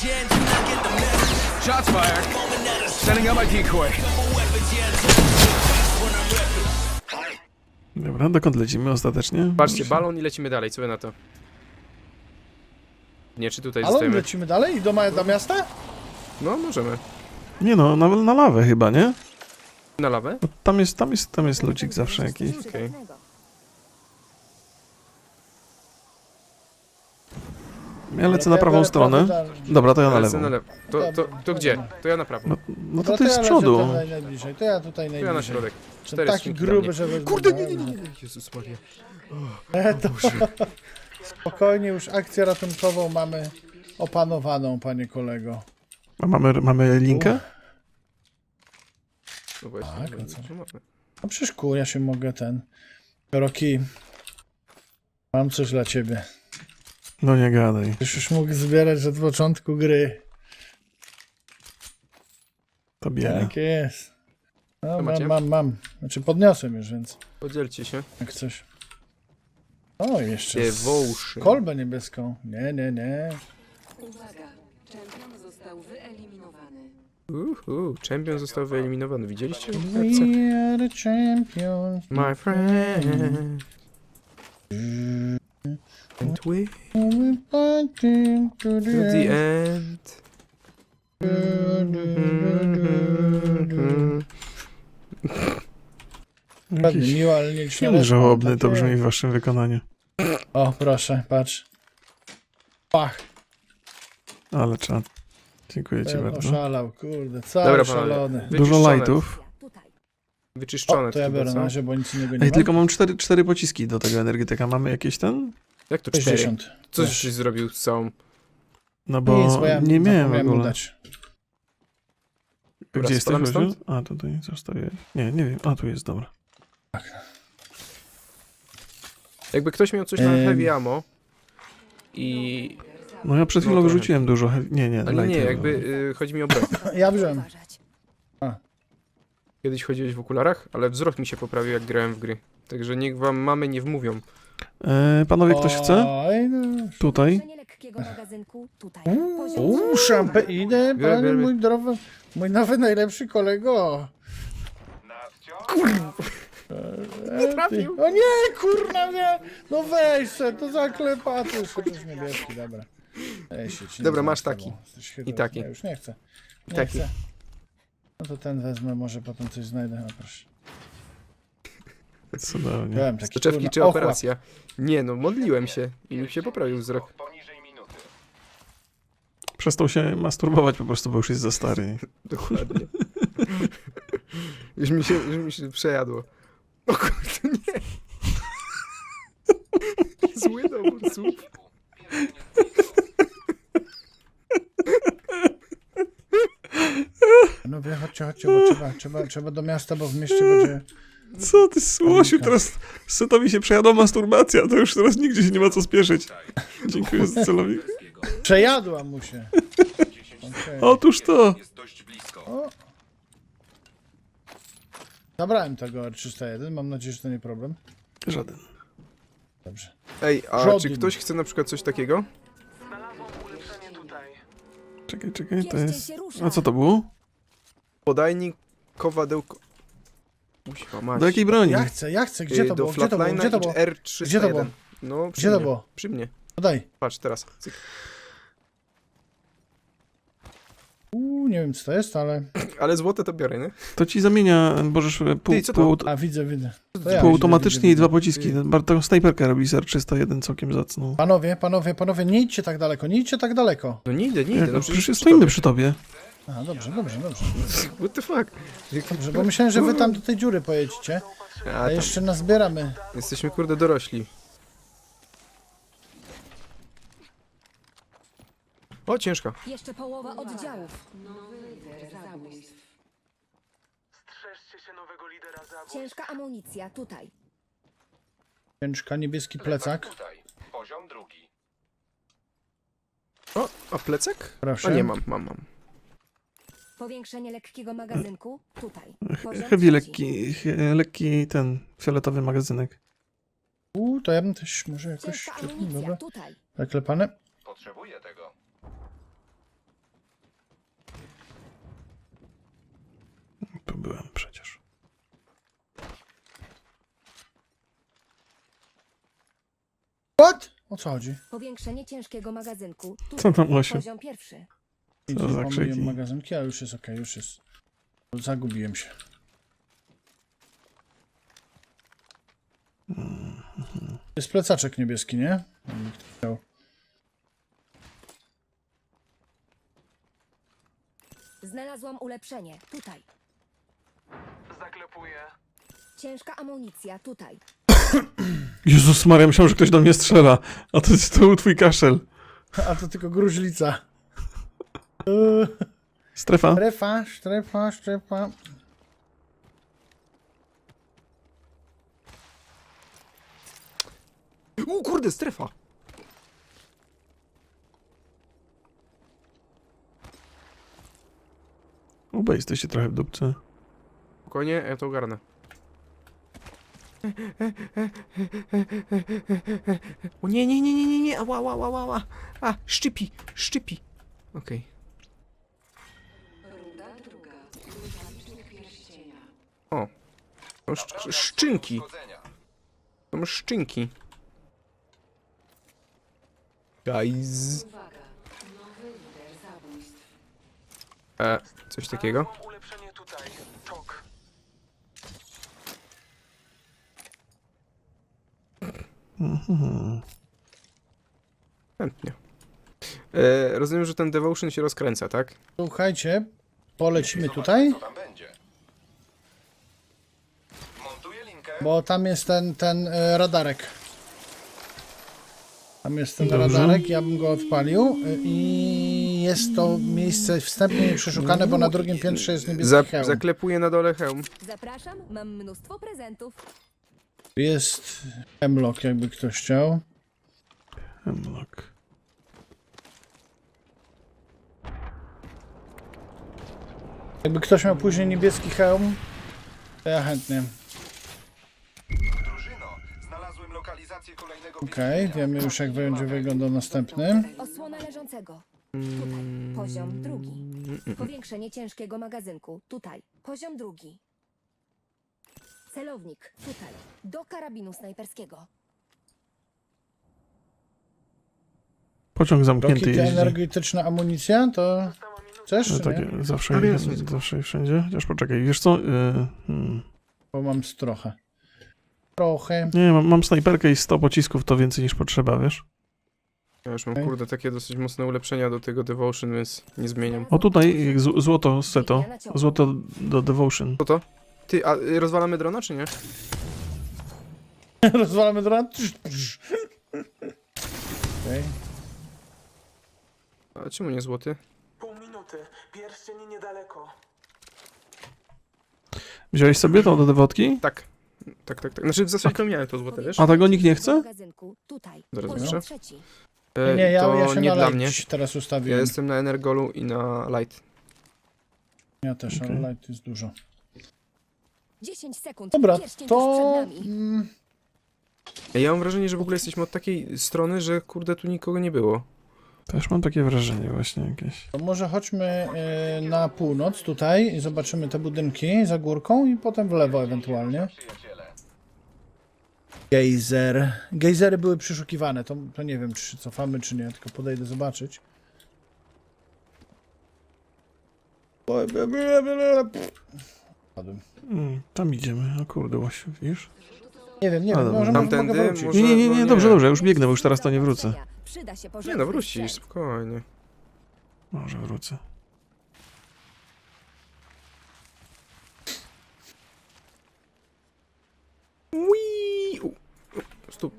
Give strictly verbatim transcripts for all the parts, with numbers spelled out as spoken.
Shots fired. Setting up my decoy. Dobra, dokąd lecimy ostatecznie? Patrzcie, balon i lecimy dalej, co wy na to? Nie, czy tutaj Ale zostajemy? lecimy dalej i do, ma do miasta? No, możemy. Nie no, na, na lawę chyba, nie? Na lawę? Bo tam jest, tam jest, tam jest ludzik zawsze jakiś. Okej. Ja lecę na Ja prawą biorę stronę. prawy dalej. Dobra, to ja na Lecę lewo. na lewo. To, to, to gdzie? To ja na prawo. No, no to Dobra, ty jest z ja lecę przodu. tutaj najbliżej. To ja tutaj To najbliżej. ja na środek. Jestem Cztery taki skrzynki dla gruby, mnie. że wezmę. Kurde, nie, nie, nie, nie. Jezus Maria. E, to... Spokojnie, już akcję ratunkową mamy opanowaną, panie kolego. A mamy, mamy linkę? No właśnie, Tak, no no co? co mamy? No przecież kur, ja się mogę ten... Roki, mam coś dla ciebie. No nie gadaj. Już już mógł zbierać od początku gry. To biega. Tak jest. No, Co macie? mam, mam, mam. Znaczy podniosłem już, więc Podzielcie się. jak coś. O, jeszcze z Devotion. kolbę niebieską. Nie, nie, nie. Uwaga, czempion został wyeliminowany. Uhu, champion został wyeliminowany. Widzieliście? We are the champions. My friend. And we We're fighting to to the the end. end. Ładnie, Jakiś miło, ale nie film żałobny to takie- brzmi w waszym wykonaniu. O, proszę, patrz. Pach, Ale czad. Dziękuję ci ten bardzo. oszalał, kurde, cały Dobra, panowie. szalony. Dużo Wyczyszczone. lightów. Tutaj. Wyczyszczone O, to ja chyba, biorę co? na razie, bo nic innego nie Ej, mam. tylko mam cztery, cztery pociski do tego energetyka. Mamy jakieś ten? Jak to cztery? sześćdziesiąt. Coś Też. żeś zrobił z całą... No bo Nic, bo ja nie miałem w zapomniałem mu ogóle. dać. Dobra, Gdzie jesteś, spadamy Łodziu? stąd? A, tutaj zostawię. Nie, nie wiem. A, tu jest, dobra. Jakby ktoś miał coś na Em. heavy ammo i... No ja przed No chwilą trochę. wyrzuciłem dużo. he- Nie, nie, Ale nie, lighty. jakby y, chodzi mi o broń. Ja wziąłem. Uważać. Kiedyś chodziłeś w okularach, ale wzrok mi się poprawił jak grałem w gry. Także niech wam mamy nie wmówią. E, panowie, ktoś chce? Oj, no. Tutaj? Powiększenie lekkiego magazynku tutaj. Poziom Uuu, szampe, idę, Biorę, panie biorę. mój drogi, mój nowy najlepszy kolego. Nie trafił. O nie, kurna, nie. No weź se, to zaklepaty. Jeszcze też niebieski, dobra. Ej, się ci nie Dobra, znam masz z tobą. taki. Jesteś chytry. I taki. Ja już nie chcę. Nie Taki. chcę. No to ten wezmę, może potem coś znajdę. No proszę. Cudownie. Byłem taki, Soczewki kurna, czy ochłap. operacja? Nie no, modliłem się i mi się poprawił wzrok. Przestał się masturbować po prostu, bo już jest za stary. Dokładnie. Już mi się, już mi się przejadło. O kurde, nie. Zły dobór słów. No wie, chodźcie, chodźcie, bo trzeba, trzeba, trzeba do miasta, bo w mieście będzie... Co ty, Słosiu, Panika. teraz setowi się przejadła masturbacja, to już teraz nigdzie się nie ma co spieszyć. Dziękuję za celownik. Przejadła mu się. Okay. Otóż to. O. Zabrałem tego R trzysta jeden, mam nadzieję, że to nie problem. Żaden. Dobrze. Ej, a Żaden. czy ktoś chce na przykład coś takiego? Czekaj, czekaj, to Bierzcie jest... się, ruszaj. A co to było? Podajnik, kowadełko... Usiła mać. Do jakiej broni? Ja chcę, ja chcę, gdzie Y, to Do było, gdzie to było, Flatline'a gdzie to i było? R trzysta Gdzie to jeden. było? No, przy Gdzie to mnie. było? Przy mnie. Podaj. Patrz teraz. Cyk. Uuu, nie wiem co to jest, ale... Ale złote to biorę, nie? To ci zamienia, możesz pół, Ty, co to? pół, A, widzę, widzę. To ja półautomatycznie widzę, i widzę, dwa widzę. pociski. Bar- Taką snajperkę robi z R trzysta jeden całkiem zacną. Panowie, panowie, panowie, nie idźcie tak daleko, nie idźcie tak daleko. No nie idę, nie Jak, idę. No no, przecież przy stoimy tobie. przy tobie. A, dobrze, dobrze, dobrze. What the fuck? Dobrze, bo myślałem, że wy tam do tej dziury pojedziecie, A, a tam. jeszcze nazbieramy. Jesteśmy kurde dorośli. O, ciężka. Jeszcze połowa oddziałów. Ciężka amunicja tutaj. Ciężka, niebieski plecak. Poziom drugi. O, a plecak? Proszę. A nie mam, mam, mam. Powiększenie lekkiego magazynku tutaj. Poziom Heavy trzeci. lekki, he- lekki ten fioletowy magazynek. Uuu, to ja bym też może jakoś... Ciężka amunicja Dobra, tutaj. zaklepane. Potrzebuję tego. przecież. What? O co chodzi? Powiększenie ciężkiego magazynku Co tutaj. tam, Osiu? Poziom pierwszy. Co za Pomyliłem krzyki? magazynki, ale już jest okej, już jest. Zagubiłem się. Jest plecaczek niebieski, nie? Jakby ktoś chciał. Znalazłam ulepszenie. Tutaj. Zaklepuję. Ciężka amunicja. Tutaj. Jezus Maria, myślałem, że ktoś do mnie strzela. A to jest to był twój kaszel. A to tylko gruźlica. Eee, Strefa. Strefa, strefa, strefa. U kurde, strefa! Oba jesteście trochę w dupce. Spokojnie, ja to ogarnę. O nie, nie, nie, nie, nie, nie, ała, ała, ała, ała. A, szczypi, szczypi. Okej. O. Są szcz szczynki. Są szczynki. Guys. E, coś takiego? Ulepszenie tutaj. Czok. Chętnie. E, rozumiem, że ten Devotion się rozkręca, tak? Słuchajcie, polecimy tutaj, tam będzie. Montuję linkę. bo tam jest ten, ten e, radarek. Tam jest ten Dobrze. radarek, ja bym go odpalił e, i jest to miejsce wstępnie przeszukane, bo na drugim piętrze jest niebieski Za hełm. zaklepuję na dole hełm. Zapraszam. Mam mnóstwo prezentów. Jest hemlock, jakby ktoś chciał. Hemlock. Jakby ktoś miał później niebieski hełm, to ja chętnie. Drużyno, znalazłem lokalizację kolejnego Okej, okay, wiemy już jak będzie wyglądał następny. Osłona leżącego. Tutaj. Poziom drugi. Powiększenie ciężkiego magazynku. Tutaj. Poziom drugi. Celownik. Tutaj. Do karabinu snajperskiego. Pociąg zamknięty Roki, jeździ. energetyczna amunicja, to chcesz, No czy tak, nie? zawsze, Ale jest wszystko. zawsze i wszędzie. Chociaż poczekaj, wiesz co? Yy, hmm. Bo mam z trochę. Trochę. Nie, mam, mam snajperkę i sto pocisków, to więcej niż potrzeba, wiesz? Ja już mam, Okej. kurde, takie dosyć mocne ulepszenia do tego Devotion, więc nie zmieniam. O tutaj z, złoto z seto. Złoto do Devotion. Co to? Ty, a y, rozwalamy drona, czy nie? Rozwalamy dron. Okej. A czemu nie złoty? Pół minuty. Pierścień niedaleko. Wziąłeś sobie to do dewotki? Tak. Tak, tak, tak. Znaczy w zasadzie to miałem to złote, wiesz? A tego nikt nie chce? Magazynku. Tutaj. Zaraz Poziom zobaczę. trzeci. E, Nie, ja, to ja się nie na dla light mnie. teraz Ja ustawiłem. Ja, jestem na Energolu i na Light. też, Okej. ale light jest dużo. dziesięć sekund. Dobra, Pierścień tuż to... przed nami. Mm, Ja mam wrażenie, że w ogóle jesteśmy od takiej strony, że kurde tu nikogo nie było. Też mam takie wrażenie właśnie jakieś. to może chodźmy y, na północ tutaj i zobaczymy te budynki za górką i potem w lewo ewentualnie. Gejzer. Gejzery były przeszukiwane, to, to nie wiem, czy się cofamy, czy nie, tylko podejdę zobaczyć. Padłem. Mm, tam idziemy. O kurde, Łosiu, widzisz? Nie wiem, nie A, wiem, dobra. może Tamtędy, mogę wrócić. może- Nie, nie, nie, no nie, nie. dobrze, dobrze, już biegnę, bo już teraz to nie wrócę. Przyda się Nie porządny no, wrócisz, sprzęt. spokojnie. Może wrócę. Ui! U, u, Stóp.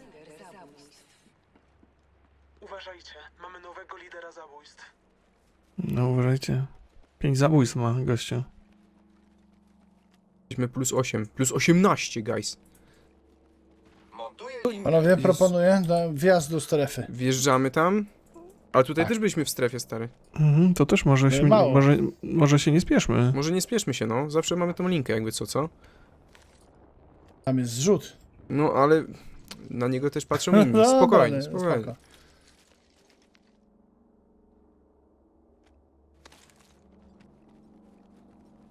Uważajcie. Mamy nowego lidera zabójstw. No uważajcie. Pięć zabójstw ma gościu. Jesteśmy plus osiem. Plus osiemnaście, guys. Montuję Panowie, Jezu. proponuję do, wjazd do strefy. Wjeżdżamy tam. Ale tutaj Tak. też byliśmy w strefie, stary. Mhm, to też może, się, mało. może, może się nie spieszmy. Może nie spieszmy się, no. Zawsze mamy tą linkę, jakby co, co? Tam jest zrzut. No, ale na niego też patrzą inni. Dobra, Spokojnie, nie, spokojnie. spoko.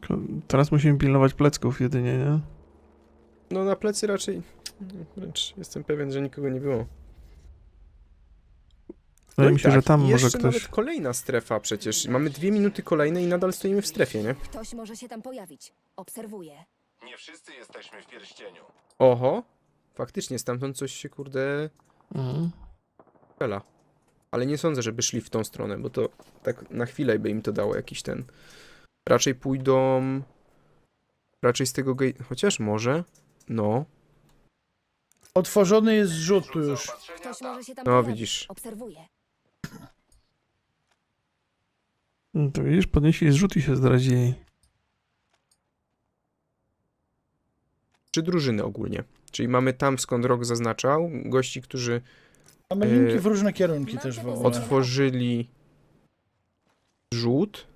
Tylko teraz musimy pilnować plecków jedynie, nie? No na plecy raczej... Wręcz jestem pewien, że nikogo nie było. Wydaje i mi się, że tam i może jeszcze ktoś... nawet kolejna strefa przecież. Mamy dwie minuty kolejne i nadal stoimy w strefie, nie? Ktoś może się tam pojawić. Obserwuję. Nie wszyscy jesteśmy w pierścieniu. Oho. Faktycznie stamtąd coś się kurde... Mhm. Fela. Ale nie sądzę, żeby szli w tą stronę, bo to tak na chwilę by im to dało jakiś ten... Raczej pójdą... Raczej z tego gate... Chociaż może... No... Otworzony jest zrzut tu już. Zaopatrzenia Ktoś tam. może się tam No pojawić. widzisz. Obserwuję. No to widzisz, podnieśli zrzut i się zdradzili. Trzy drużyny ogólnie. Czyli mamy tam, skąd Rok zaznaczał, gości, którzy Mamy Yy, linki w różne kierunki też w ogóle. otworzyli rzut.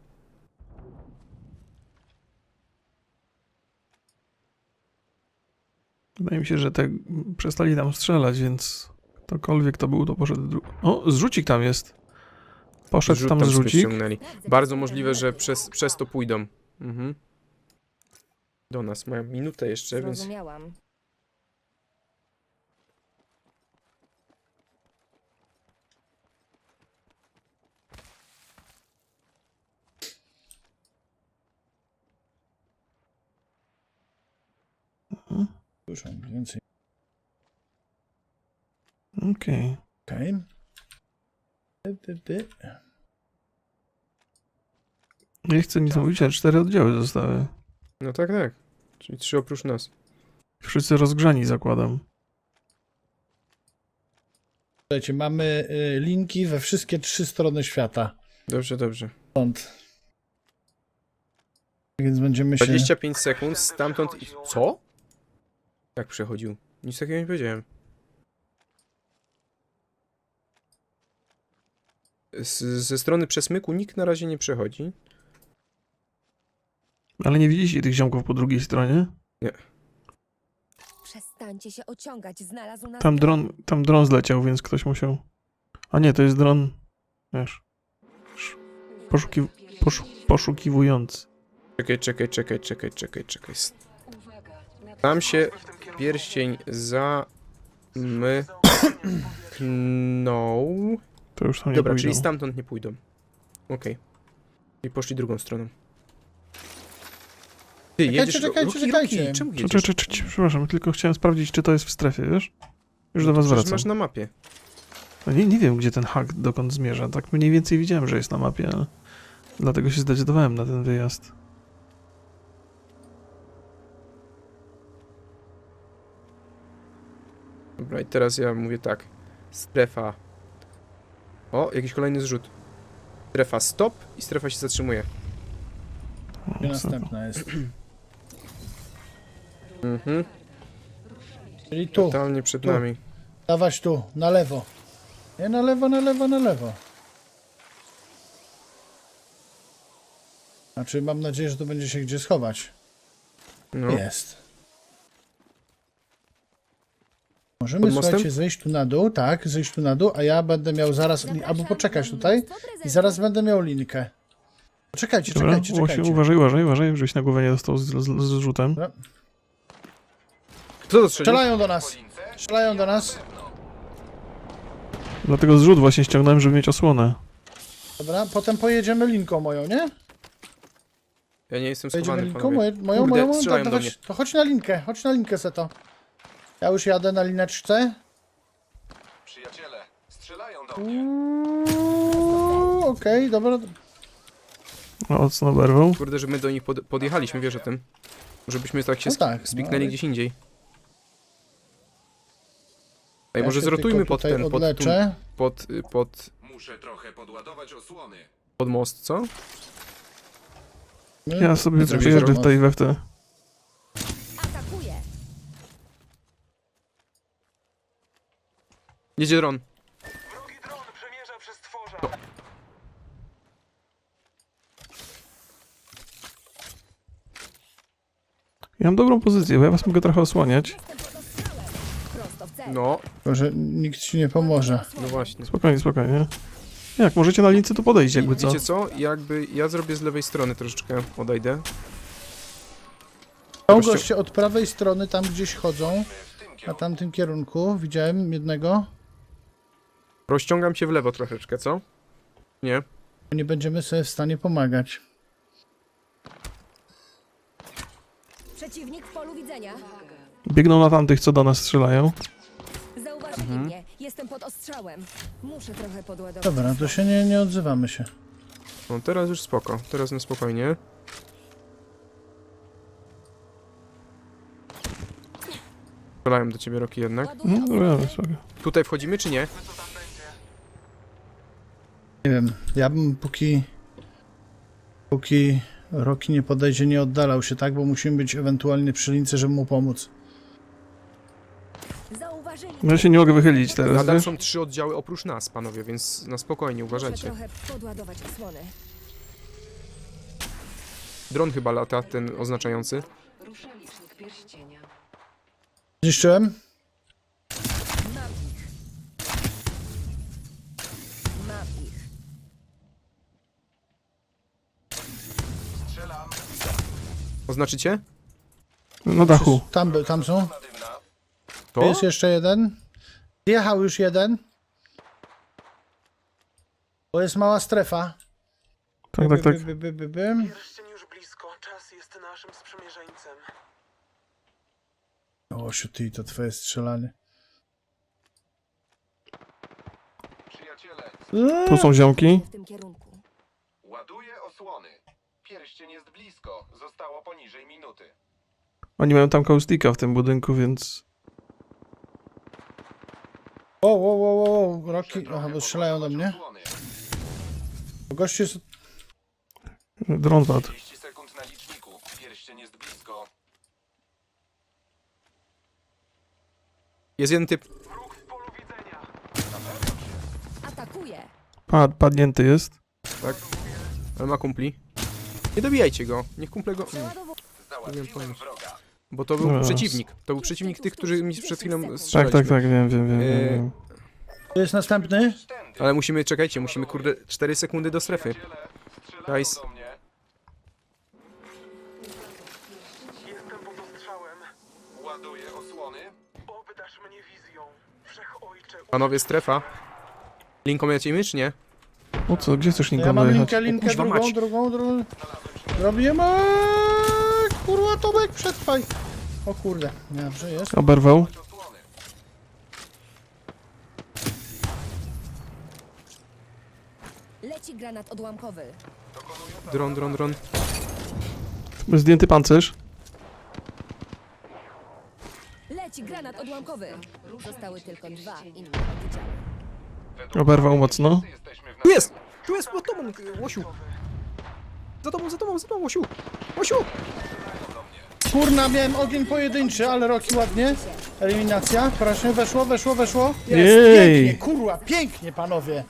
Wydaje mi się, że te przestali tam strzelać, więc ktokolwiek to był, to poszedł... Dru... O, zrzucik tam jest. Poszedł Rzut tam tam sobie zrzucik. ściągnęli. Sprawdzę, Bardzo czy możliwe, że lepiej. przez, przez to pójdą. Mhm. Do nas mają minutę jeszcze, więc... Zrozumiałam. Słyszę więcej. Okej. Okej. Ty, ty, ty. Nie chcę nic mówić, ale cztery oddziały zostały. No tak, tak. Czyli trzy oprócz nas. Wszyscy rozgrzani, zakładam. Słuchajcie, mamy y, linki we wszystkie trzy strony świata. Dobrze, dobrze. Stąd. Więc będziemy się... dwadzieścia pięć sekund, stamtąd... i- Co? Jak przechodził? Nic takiego nie powiedziałem. Z, ze strony przesmyku nikt na razie nie przechodzi. Ale nie widzicie tych ziomków po drugiej stronie? Przestańcie się ociągać. Znalazł nas... Tam dron, tam dron zleciał, więc ktoś musiał... A nie, to jest dron... Wiesz... sz- Poszuki... Poszu... Poszukiwujący. Czekaj, czekaj, czekaj, czekaj, czekaj, czekaj. Tam się W tym kierunku pierścień zamknął. To już tam nie Dobra, pójdą. czyli stamtąd nie pójdą. Okej. I poszli drugą stroną. Ty, Czekajcie, jedziesz... czekajcie, Roki, czekajcie. Roki, czemu Czy, jedziesz? czy, czy, czy, przepraszam, tylko chciałem sprawdzić, czy to jest w strefie, wiesz? Już do No to was przecież wracam. masz na mapie. No nie, nie wiem, gdzie ten hak dokąd zmierza. Tak mniej więcej widziałem, że jest na mapie, ale... Dlatego się zdecydowałem na ten wyjazd. Dobra, i teraz ja mówię tak. Strefa. O, jakiś kolejny zrzut. Strefa stop i strefa się zatrzymuje. O, Gdzie co- następna jest. Mhm. Czyli tu. Totalnie przed tu. nami. Dawać tu, na lewo. Nie, na lewo, na lewo, na lewo. Znaczy, mam nadzieję, że tu będzie się gdzie schować. No. Jest. Możemy, Pod mostem? słuchajcie, zejść tu na dół, tak, zejść tu na dół, a ja będę miał zaraz, li- albo poczekać tutaj i zaraz będę miał linkę. Czekajcie, Dobra, czekajcie, właśnie, czekajcie. uważaj, uważaj, uważaj, żebyś na głowę nie dostał z, z, z rzutem. Dobra. Kto to strzelił? Strzelają do nas, strzelają do nas. Dlatego zrzut właśnie ściągnąłem, żeby mieć osłonę. Dobra, potem pojedziemy linką moją, nie? Ja nie jestem Pojedziemy schowany, linką, panowie. moje, moją, Kurde, moją, moją, strzelają to, do to, mnie. chodź, to chodź na linkę, chodź na linkę Seto. Ja już jadę na lineczce. Przyjaciele, strzelają do mnie. Uuu, Okej, dobra. Mocno oberwał. Kurde, że my do nich pod, podjechaliśmy, wiesz o tym. Żebyśmy tak się No sp- tak, no spiknęli ale- gdzieś indziej. Ej, Ja może się zrotujmy tylko pod tutaj ten, pod, tu, odleczę. pod, y, pod, Muszę trochę podładować osłony. pod most, co? Ja sobie Zrobię przyjeżdżę zrobię. w tej we w te. Atakuję. Jedzie dron. Wrogi dron przemierza przez tworza. Ja mam dobrą pozycję, bo ja was mogę trochę osłaniać. Jestem pod ostrzałem. Prosto w cel. No, Tylko, że nikt ci nie pomoże. no właśnie. Spokojnie, spokojnie. Jak możecie na lince, to podejść jakby co. Wiecie co? Jakby ja zrobię z lewej strony troszeczkę, odejdę. Są Gościu- goście od prawej strony, tam gdzieś chodzą, W tym na kierunku. tamtym kierunku. Widziałem jednego. Rozciągam się w lewo troszeczkę, co? Nie. Nie będziemy sobie w stanie pomagać. Przeciwnik w polu widzenia. Biegną na tamtych, co do nas strzelają. Zauważyli Mhm. mnie. Jestem pod ostrzałem. Muszę trochę podładować. Dobra, to się nie, nie odzywamy się. No teraz już spoko. Teraz na spokojnie. Strzelałem do ciebie, Roki, jednak. Ładuję No, osłony. dobra, sobie. Tutaj wchodzimy, czy nie? Co tam będzie? Nie wiem, ja bym póki... Póki Roki nie podejdzie, nie oddalał się, tak? Bo musimy być ewentualnie przy lince, żeby mu pomóc. Zauważyli No ja się nie mogę wychylić teraz, Nadal wiesz? są trzy oddziały oprócz nas, panowie, więc na spokojnie, Muszę uważajcie. trochę podładować osłony. Dron chyba lata, ten oznaczający. Ruszalicznik pierścienia. Zniszczyłem? Mam ich. Mam ich. Strzelam. Oznaczycie? Na dachu. Tam, by- tam są. Dymna. To? Jest jeszcze jeden. Jechał już jeden. To jest mała strefa. Tak, tak, tak. By, by, by, by, by. Pierścień już blisko. Czas jest naszym sprzymierzeńcem. O, ty, to twoje strzelanie. Przyjaciele, Tu są ziomki. W tym kierunku. ładuję osłony. Pierścień jest blisko. Zostało poniżej minuty. Oni mają tam kaustika w tym budynku, więc... O, o, o, o, o, Roki. Muszę Aha, trochę bo strzelają do podładować mnie. osłony. Gościu jest... Dron padł. trzydzieści sekund na liczniku. Pierścień jest blisko. Jest jeden typ. Wróg w polu widzenia. Atakuję. Pad, padnięty jest. Tak. Ale ma kumpli. Nie dobijajcie go. Niech kumple go... Mm. Przeładowuję. Powiem Załatwiłem pomóc. wroga. Bo to był No. przeciwnik. To był przeciwnik tych, którzy mi przed chwilą Tak, strzelaliśmy. tak, tak, wiem, wiem, wiem. Yy, wiem. To jest następny. Tędy. Ale musimy, czekajcie, musimy kurde cztery sekundy do strefy. Przyjaciele, strzelają Nice. do mnie. Jestem pod ostrzałem. Ładuję osłony. Obdarz mnie wizją. Wszechojcze. Panowie, strefa. Linką lecimy, czy nie? O co, gdzie chcesz Ja Lincoln mam dojechać? linkę, linkę, kuźwa drugą, mać. drugą, drugą. Robiłem. Kurwa, Tomek, przetrwaj. O kurde, dobrze jest. Oberwał. Osłony. Leci granat odłamkowy. Dron, dron, dron. Zdjęty pancerz. Leci granat odłamkowy. Zostały tylko dwa inne oddziały. Według Oberwał mnie mocno. wszyscy jesteśmy w Tu jest! Tu jest, za tobą, Łosiu! Za tobą, za tobą, za tobą, Łosiu! Łosiu! Kurna, miałem ogień pojedynczy, ale Roki ładnie. Eliminacja, proszę, weszło, weszło, weszło. Jest, Jej. pięknie, kurwa, pięknie, panowie.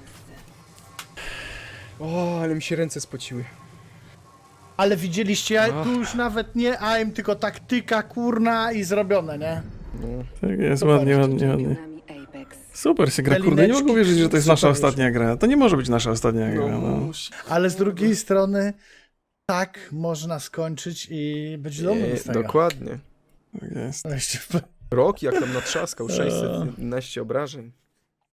O, ale mi się ręce spociły. Ale widzieliście, ja Ach. tu już nawet nie aim, tylko taktyka, kurna i zrobione, nie? Tak jest, Super. ładnie, ładnie, ładnie. Czempionami Apex. Super się gra, kurde, nie Pelineczki, mogę wierzyć, że to jest nasza super ostatnia gra. To nie może być nasza ostatnia gra, no. No, Ale z drugiej strony, tak można skończyć i być dumnym z e, tego. dokładnie. Tak jest. Weźcie w- Rok jak tam natrzaskał, sześćset jedenaście obrażeń.